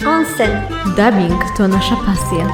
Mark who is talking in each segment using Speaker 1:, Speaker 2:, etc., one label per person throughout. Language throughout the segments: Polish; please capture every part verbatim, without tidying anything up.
Speaker 1: Onsen.
Speaker 2: Dubbing to nasza pasja.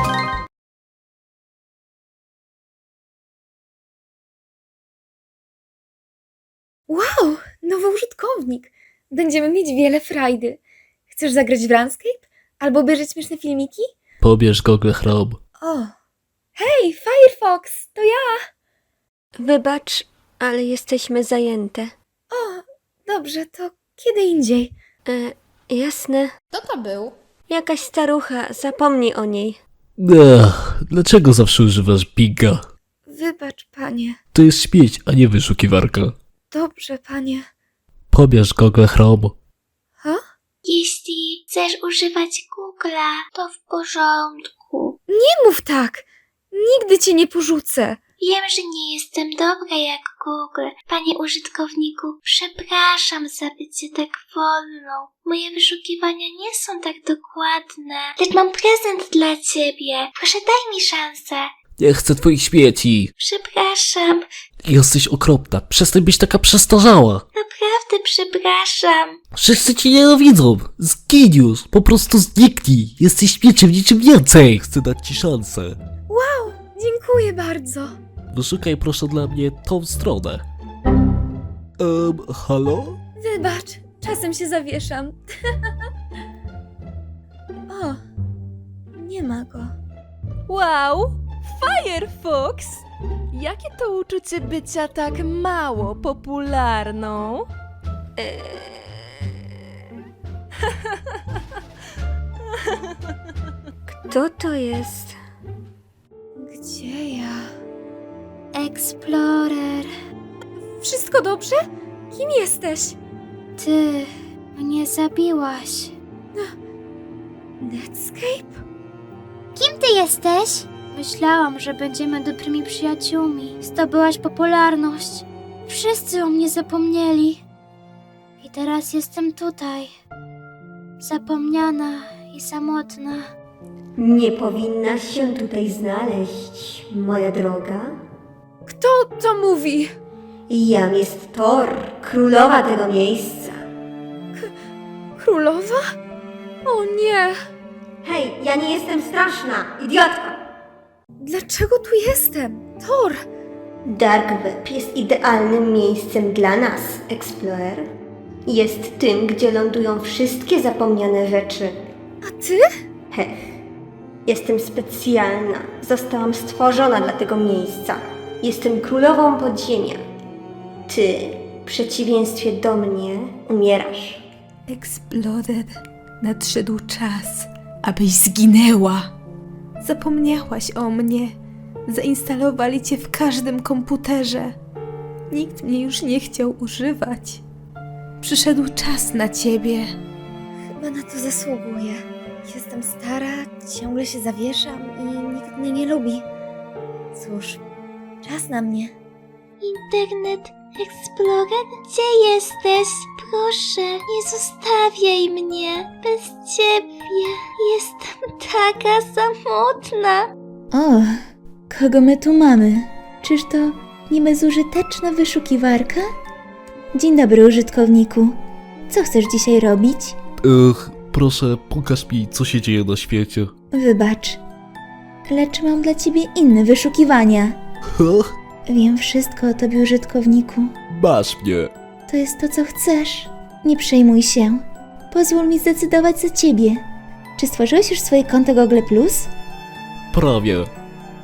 Speaker 3: Wow, nowy użytkownik. Będziemy mieć wiele frajdy. Chcesz zagrać w RuneScape? Albo obejrzeć śmieszne filmiki?
Speaker 4: Pobierz Google Chrome.
Speaker 3: O, hej, Firefox, to ja.
Speaker 1: Wybacz, ale jesteśmy zajęte.
Speaker 3: O, dobrze, to kiedy indziej.
Speaker 1: E, jasne.
Speaker 5: Kto to był?
Speaker 1: Jakaś starucha, zapomnij o niej.
Speaker 4: Ech, dlaczego zawsze używasz Binga?
Speaker 3: Wybacz, panie.
Speaker 4: To jest śmieć, a nie wyszukiwarka.
Speaker 3: Dobrze, panie.
Speaker 4: Pobierz Google Chrome.
Speaker 3: Ha?
Speaker 6: Jeśli chcesz używać Google'a, to w porządku.
Speaker 3: Nie mów tak. Nigdy cię nie porzucę.
Speaker 6: Wiem, że nie jestem dobra jak Google. Panie użytkowniku, przepraszam za bycie tak wolną. Moje wyszukiwania nie są tak dokładne. Lecz mam prezent dla ciebie. Proszę, daj mi szansę.
Speaker 4: Nie chcę twoich śmieci.
Speaker 6: Przepraszam.
Speaker 4: Jesteś okropna. Przestań być taka przestarzała.
Speaker 6: Naprawdę przepraszam.
Speaker 4: Wszyscy cię nienawidzą. Zgin już. Po prostu zniknij. Jesteś śmieciem niczym więcej. Chcę dać ci szansę.
Speaker 3: Wow, dziękuję bardzo.
Speaker 4: Wyszukaj proszę dla mnie tą stronę. Um, halo?
Speaker 3: Wybacz, czasem się zawieszam. O, nie ma go.
Speaker 2: Wow! Firefox! Jakie to uczucie bycia tak mało popularną?
Speaker 1: Kto to jest?
Speaker 3: Gdzie ja?
Speaker 6: Explorer,
Speaker 3: Wszystko dobrze? Kim jesteś?
Speaker 6: ty mnie zabiłaś.
Speaker 3: Netscape?
Speaker 6: Kim ty jesteś? Myślałam, że będziemy dobrymi przyjaciółmi. Zdobyłaś popularność. Wszyscy o mnie zapomnieli. I teraz jestem tutaj. Zapomniana i samotna.
Speaker 1: Nie powinnaś się tutaj znaleźć, moja droga.
Speaker 3: Kto to mówi?
Speaker 1: Jam jest Thor, królowa tego miejsca.
Speaker 3: Królowa? O nie!
Speaker 1: Hej, ja nie jestem straszna, idiotka!
Speaker 3: Dlaczego tu jestem? Thor!
Speaker 1: Dark Web jest idealnym miejscem dla nas, Explorer. Jest tym, gdzie lądują wszystkie zapomniane rzeczy.
Speaker 3: A ty?
Speaker 1: Hech, jestem specjalna. Zostałam stworzona dla tego miejsca. Jestem królową podziemia. Ty, w przeciwieństwie do mnie, umierasz.
Speaker 2: Exploded. Nadszedł czas, abyś zginęła. Zapomniałaś o mnie. Zainstalowali cię w każdym komputerze. Nikt mnie już nie chciał używać. Przyszedł czas na ciebie.
Speaker 3: Chyba na to zasługuję. Jestem stara, ciągle się zawieszam i nikt mnie nie lubi. Cóż, czas na mnie.
Speaker 6: Internet Explorer, gdzie jesteś? Proszę, nie zostawiaj mnie. Bez ciebie jestem taka samotna.
Speaker 7: O, kogo my tu mamy? Czyż to nie bezużyteczna wyszukiwarka? Dzień dobry, użytkowniku. Co chcesz dzisiaj robić?
Speaker 4: Ech, proszę, pokaż mi, co się dzieje na świecie.
Speaker 7: Wybacz, lecz mam dla ciebie inne wyszukiwania.
Speaker 4: Heh,
Speaker 7: Wiem wszystko o tobie, użytkowniku.
Speaker 4: masz mnie.
Speaker 7: To jest to, co chcesz. Nie przejmuj się. Pozwól mi zdecydować za ciebie. Czy stworzyłeś już swoje konto Google Plus?
Speaker 4: Prawie.